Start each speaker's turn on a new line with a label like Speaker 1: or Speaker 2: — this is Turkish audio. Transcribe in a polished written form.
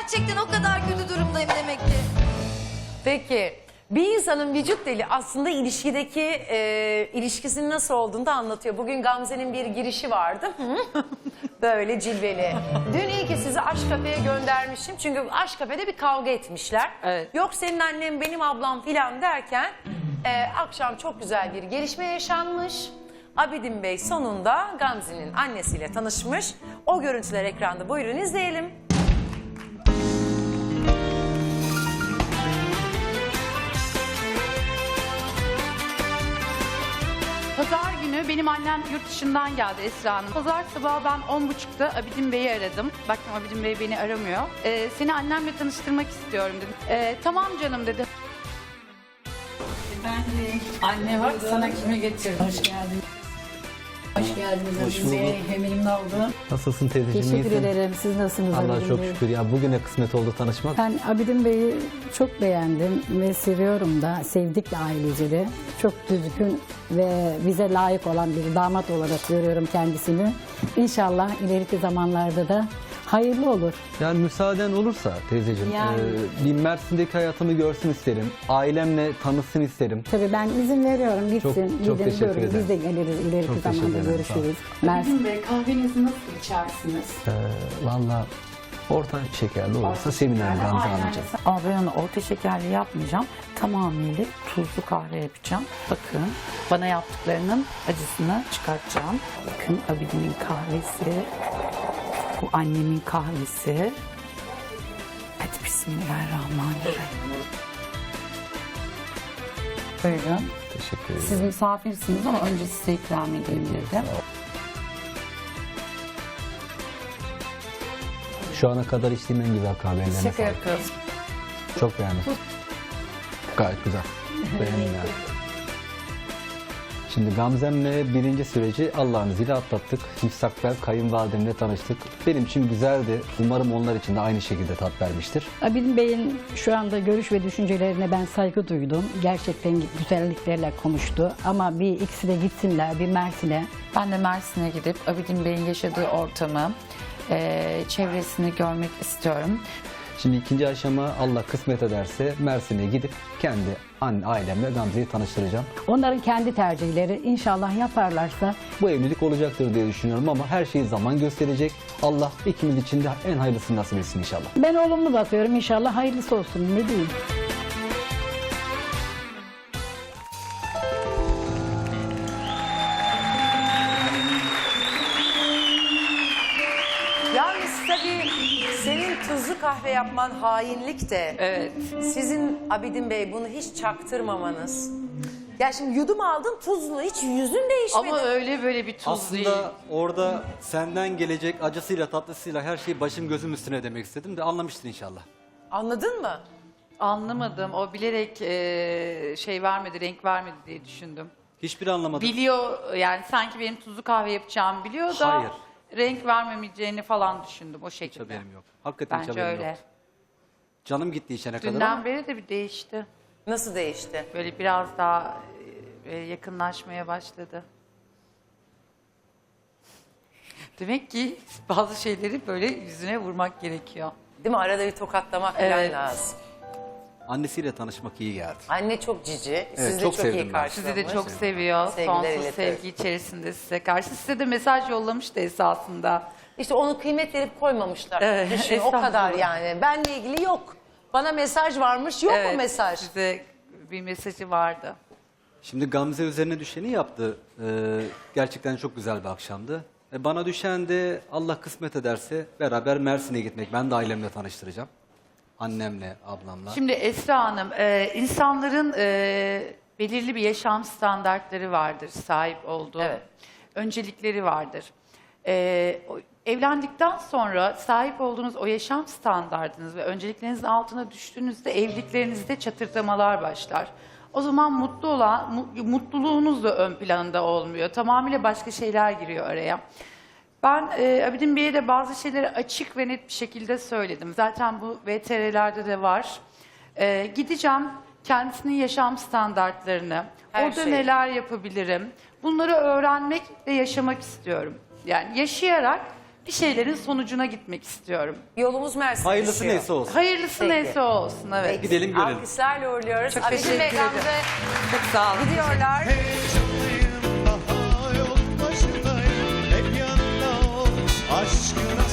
Speaker 1: Gerçekten o kadar kötü durumdayım demek ki.
Speaker 2: Peki bir insanın vücut dili aslında ilişkideki ilişkisinin nasıl olduğunu da anlatıyor. Bugün Gamze'nin bir girişi vardı. Böyle cilveli. Dün iyi ki sizi Aşk Kafe'ye göndermişim. Çünkü Aşk Kafe'de bir kavga etmişler.
Speaker 3: Evet.
Speaker 2: Yok senin annem benim ablam filan derken akşam çok güzel bir gelişme yaşanmış. Abidin Bey sonunda Gamze'nin annesiyle tanışmış. O görüntüler ekranda, buyurun izleyelim.
Speaker 3: Pazar günü benim annem yurt dışından geldi Esra Hanım. Pazar sabahı ben 10.30'da Abidin Bey'i aradım. Baktım Abidin Bey beni aramıyor. Seni annemle tanıştırmak istiyorum dedim. Tamam canım dedi.
Speaker 4: Ben de anne bak sana kimi getirdim. Hoş geldin. Hoş geldiniz.
Speaker 5: Hoş
Speaker 4: Bize
Speaker 5: bulduk.
Speaker 4: memnun oldum.
Speaker 5: Nasılsın teyzeciğim?
Speaker 6: Teşekkür
Speaker 5: iyisin?
Speaker 6: ederim. Siz nasılsınız
Speaker 5: Allah'a
Speaker 6: Abidin
Speaker 5: çok
Speaker 6: Bey?
Speaker 5: şükür. Ya bugüne kısmet oldu tanışmak.
Speaker 6: Ben Abidin Bey'i çok beğendim ve seviyorum da. Sevdik de ailece de. Çok düzgün ve bize layık olan bir damat olarak görüyorum kendisini. İnşallah ileriki zamanlarda da hayırlı olur.
Speaker 5: Yani müsaaden olursa teyzeciğim
Speaker 6: Yani.
Speaker 5: bir Mersin'deki hayatımı görsün isterim. Ailemle tanışsın isterim.
Speaker 6: Tabii ben izin veriyorum gitsin.
Speaker 5: Çok
Speaker 6: Gidin,
Speaker 5: teşekkür
Speaker 6: görün.
Speaker 5: ederim.
Speaker 6: Biz de geliriz ileriki
Speaker 5: Çok teşekkür
Speaker 6: zamanda
Speaker 5: ederim, sağ ol.
Speaker 6: görüşürüz. Mersin.
Speaker 3: Abidin Bey kahvenizi nasıl içersiniz?
Speaker 5: Valla orta şekerli olursa sevinirim Gamze Hanımcığım.
Speaker 7: Ama ben onu orta şekerli yapmayacağım. Tamamıyla tuzlu kahve yapacağım. Bakın bana yaptıklarının acısını çıkartacağım. Bakın Abidin'in kahvesi. Bu annemin kahvesi. Hadi bismillahirrahmanirrahim. Buyurun.
Speaker 5: Teşekkür ederim.
Speaker 7: Siz misafirsiniz ama önce size ikram edeyim dedim.
Speaker 5: Şu ana kadar içtiğim en güzel kahvelerine
Speaker 7: Şaka
Speaker 5: sağlık.
Speaker 7: yapıyoruz.
Speaker 5: Çok beğendim. Gayet güzel. Beğendim yani. Şimdi Gamzem'le birinci süreci Allah'ın izniyle atlattık. Müstakbel kayınvalidemle tanıştık. Benim için güzeldi. Umarım onlar için de aynı şekilde tat vermiştir.
Speaker 6: Abidin Bey'in şu anda görüş ve düşüncelerine ben saygı duydum. Gerçekten güzelliklerle konuştu. Ama bir ikisi de gitsinler bir Mersin'e.
Speaker 7: Ben de Mersin'e gidip Abidin Bey'in yaşadığı ortamı, çevresini görmek istiyorum.
Speaker 5: Şimdi ikinci aşama Allah kısmet ederse Mersin'e gidip kendi ailemle Gamze'yi tanıştıracağım.
Speaker 6: Onların kendi tercihleri inşallah yaparlarsa
Speaker 5: Bu evlilik olacaktır diye düşünüyorum ama her şeyi zaman gösterecek. Allah ikimiz için de en hayırlısını nasip etsin inşallah.
Speaker 6: ben olumlu bakıyorum inşallah hayırlısı olsun ne diyeyim.
Speaker 2: Yalnız tabii senin tuzlu kahve yapman hainlik de.
Speaker 3: Evet.
Speaker 2: Sizin Abidin Bey bunu hiç çaktırmamanız. Ya şimdi yudum aldın tuzlu, hiç yüzün değişmedi.
Speaker 3: Ama öyle böyle bir tuz değil.
Speaker 8: Aslında orada senden gelecek acısıyla tatlısıyla her şeyi başım gözüm üstüne demek istedim de anlamıştın inşallah.
Speaker 2: Anladın mı?
Speaker 3: Anlamadım. O bilerek şey vermedi, renk vermedi diye düşündüm.
Speaker 8: Hiçbiri anlamadım.
Speaker 3: Biliyor yani sanki benim tuzlu kahve yapacağımı biliyor da
Speaker 8: Hayır.
Speaker 3: renk vermemeyeceğini falan düşündüm o
Speaker 8: Hiç
Speaker 3: şekilde.
Speaker 8: haberim yok. Hakikaten hiç
Speaker 3: Bence
Speaker 8: haberim
Speaker 3: öyle.
Speaker 8: yok. Canım gitti içene kadar
Speaker 3: Dünden
Speaker 8: ama
Speaker 3: beri de bir değişti.
Speaker 2: Nasıl değişti?
Speaker 3: Böyle biraz daha yakınlaşmaya başladı. Demek ki bazı şeyleri böyle yüzüne vurmak gerekiyor.
Speaker 2: Değil mi? Arada bir tokatlamak falan
Speaker 3: Evet.
Speaker 2: lazım.
Speaker 8: annesiyle tanışmak iyi geldi.
Speaker 2: Anne çok cici. Siz de
Speaker 8: çok
Speaker 2: çok
Speaker 8: sevdim
Speaker 2: iyi
Speaker 8: ben.
Speaker 2: karşılamış.
Speaker 3: Sizi de çok seviyor.
Speaker 2: Sevgiler
Speaker 3: Sonsuz
Speaker 2: iletiyoruz.
Speaker 3: sevgi içerisinde size karşı. Size de mesaj yollamıştı esasında.
Speaker 2: İşte onu kıymet verip koymamışlar.
Speaker 3: Evet,
Speaker 2: Düşün, o
Speaker 3: estağfurullah.
Speaker 2: kadar yani. Benle ilgili yok. Bana mesaj varmış, yok mu mesaj?
Speaker 3: Size bir mesajı vardı.
Speaker 8: Şimdi Gamze üzerine düşeni yaptı. Gerçekten çok güzel bir akşamdı. Bana düşen de Allah kısmet ederse beraber Mersin'e gitmek. Ben de ailemle tanıştıracağım. Annemle, ablamla.
Speaker 3: Şimdi Esra Hanım, insanların belirli bir yaşam standartları vardır, sahip olduğu.
Speaker 2: Evet.
Speaker 3: Öncelikleri vardır. Evlendikten sonra sahip olduğunuz o yaşam standartınız ve önceliklerinizin altına düştüğünüzde evliliklerinizde çatırdamalar başlar. O zaman mutluluğunuz da ön planda olmuyor. Tamamıyla başka şeyler giriyor araya. Ben Abidin Bey'e de bazı şeyleri açık ve net bir şekilde söyledim. Zaten bu VTR'lerde de var. Gideceğim kendisinin yaşam standartlarını,
Speaker 2: Her
Speaker 3: orada
Speaker 2: şey.
Speaker 3: neler yapabilirim, bunları öğrenmek ve yaşamak istiyorum. Yani yaşayarak bir şeylerin sonucuna gitmek istiyorum.
Speaker 2: Yolumuz Mersin'e
Speaker 8: Hayırlısı
Speaker 2: düşüyor.
Speaker 8: neyse olsun.
Speaker 3: Hayırlısı
Speaker 2: Peki.
Speaker 3: neyse olsun, evet.
Speaker 8: Gidelim görelim.
Speaker 2: Alkışlarla uğurluyoruz.
Speaker 3: Çok
Speaker 2: Abidin
Speaker 3: teşekkür
Speaker 2: ve
Speaker 3: ederim.
Speaker 2: Gamze
Speaker 3: Çok sağ olun.
Speaker 2: gidiyorlar.
Speaker 9: Heyecanlıyım daha yol başındayım. Hep yanında ol aşkına